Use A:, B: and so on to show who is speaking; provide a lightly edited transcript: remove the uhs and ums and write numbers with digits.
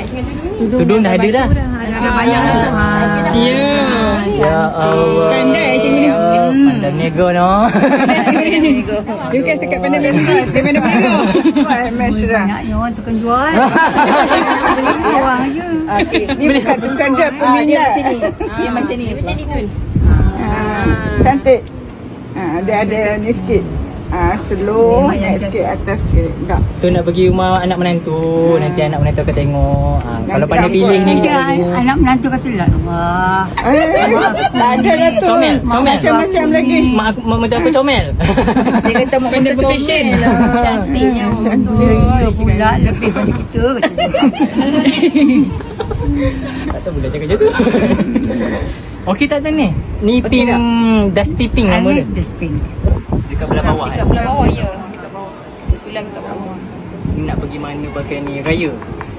A: Tudung dah ada dah.
B: Ada bayang tu.
C: Ya.
A: Ya Allah.
C: Pandai cikgu ni.
A: Pandai nego no.
C: Dia kan dekat pandai berniaga. Dia pandai berniaga.
B: MS dah.
D: Banyaknya orang tukang jual. Orang je.
B: Ni bukan dia peminat. Dia macam ni. Cantik. Dia ada ni sikit. Slow, naik sikit atas sikit. Tak.
A: So nak pergi rumah anak menantu, nanti anak menantu akan tengok. Kalau pandai pilih ni kita
D: Dia anak menantu kata lah. Wah.
B: Tak ada lah tu.
A: Comel.
B: Macam-macam lagi.
A: Mak menantu aku comel.
B: Dia kata mak
C: Pandai
B: betul
C: berfashion.
D: Cantiknya. Dia pula lebih pada kita.
A: Tak tahu pula cakap macam tu. Okey tak tahu ni? Ni pink Dusty Pink nama dia.
D: Dustbin.
A: Dekat belah bawah.
C: Dekat belah bawah ya. Dekat bawah. Dia sulang dekat bawah.
A: Ni nak pergi mana pakai ni raya?